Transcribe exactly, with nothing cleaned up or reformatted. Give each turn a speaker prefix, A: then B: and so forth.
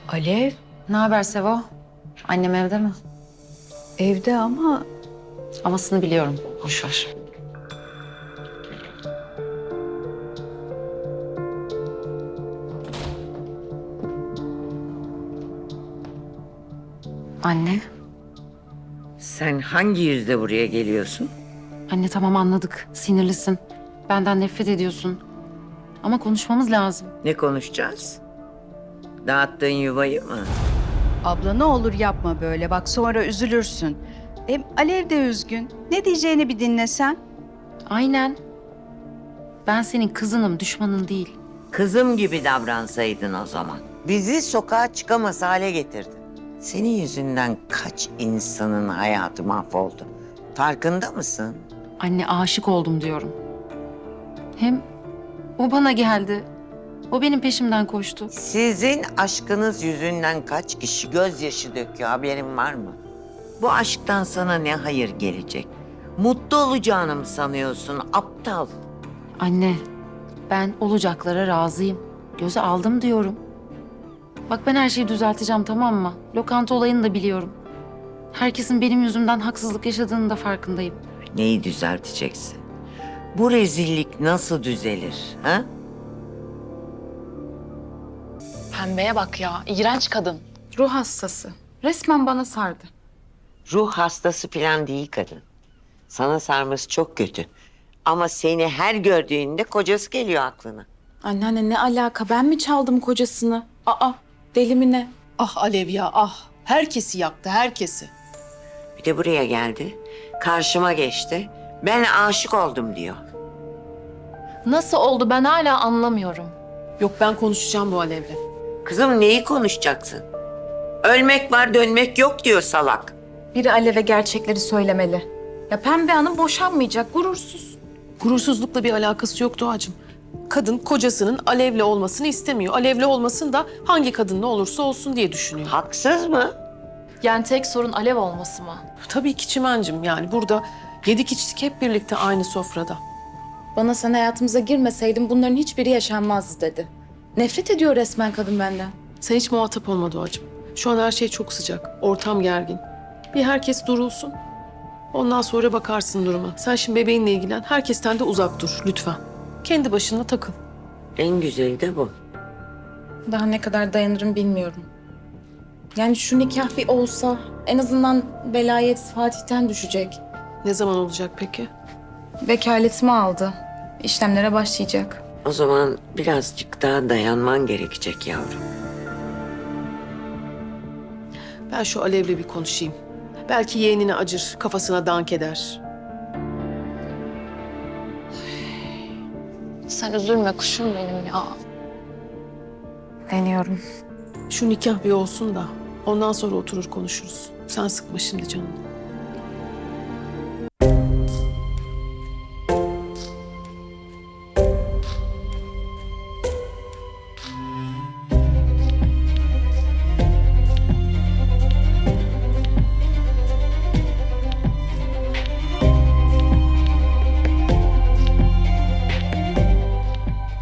A: Alev,
B: Ne haber Sevo? Annem evde mi?
A: evde ama
B: Amasını biliyorum. Boş ver. Anne.
C: Sen hangi yüzle buraya geliyorsun?
B: Anne tamam anladık. Sinirlisin. Benden nefret ediyorsun. Ama konuşmamız lazım.
C: Ne konuşacağız? Dağıttığın yuvayı mı?
A: abla ne olur yapma böyle. Bak sonra üzülürsün. Hem Alev de üzgün. Ne diyeceğini bir dinlesen.
B: Aynen. Ben senin kızınım, düşmanın değil.
C: Kızım gibi davransaydın o zaman. Bizi sokağa çıkamaz hale getirdin. Senin yüzünden kaç insanın hayatı mahvoldu. Farkında mısın?
B: Anne aşık oldum diyorum. Hem o bana geldi. O benim peşimden koştu.
C: Sizin aşkınız yüzünden kaç kişi gözyaşı döküyor, haberin var mı? Bu aşktan sana ne hayır gelecek? Mutlu olacağını mı sanıyorsun, aptal?
B: Anne, ben olacaklara razıyım. Göze aldım diyorum. Bak ben her şeyi düzelteceğim, tamam mı? Lokanta olayını da biliyorum. Herkesin benim yüzümden haksızlık yaşadığını da farkındayım.
C: Neyi düzelteceksin? Bu rezillik nasıl düzelir, ha?
D: Pembeye bak ya, iğrenç kadın.
B: Ruh hastası. Resmen bana sardı.
C: Ruh hastası falan değil kadın. Sana sarması çok kötü. Ama seni her gördüğünde kocası geliyor aklına.
E: Anneanne ne alaka? Ben mi çaldım kocasını? Aa, deli mi ne?
F: Ah Alev ya ah. Herkesi yaktı, herkesi.
C: Bir de buraya geldi. Karşıma geçti. Ben aşık oldum diyor.
D: Nasıl oldu ben hala anlamıyorum.
F: Yok ben konuşacağım bu Alev'le.
C: Kızım neyi konuşacaksın? Ölmek var dönmek yok diyor salak.
E: Biri Alev'e gerçekleri söylemeli. Ya Pembe Hanım boşanmayacak, gurursuz.
F: Gurursuzlukla bir alakası yok Doğacığım. Kadın kocasının Alev'le olmasını istemiyor. Alev'le olmasın da hangi kadınla olursa olsun diye düşünüyor.
C: Haksız mı?
D: Yani tek sorun Alev olması mı?
F: Tabii ki Çimen'cim yani burada yedik içtik hep birlikte aynı sofrada.
E: Bana sen hayatımıza girmeseydin bunların hiçbiri yaşanmazdı dedi. Nefret ediyor resmen kadın benden.
F: Sen hiç muhatap olma Doğacığım. Şu an her şey çok sıcak. Ortam gergin. Bir herkes durulsun. Ondan sonra bakarsın duruma. Sen şimdi bebeğinle ilgilen. Herkesten de uzak dur lütfen. Kendi başına takıl.
C: En güzeli de bu.
E: Daha ne kadar dayanırım bilmiyorum. Yani şu nikah bir olsa en azından velayet Fatih'ten düşecek.
F: Ne zaman olacak peki?
E: Vekaletimi aldı. İşlemlere başlayacak.
C: O zaman birazcık daha dayanman gerekecek yavrum.
F: Ben şu Alev'le bir konuşayım. Belki yeğenine acır, kafasına dank eder.
D: Sen üzülme kuşum benim ya.
E: Deniyorum.
F: Şu nikah bir olsun da ondan sonra oturur konuşuruz. Sen sıkma şimdi canını.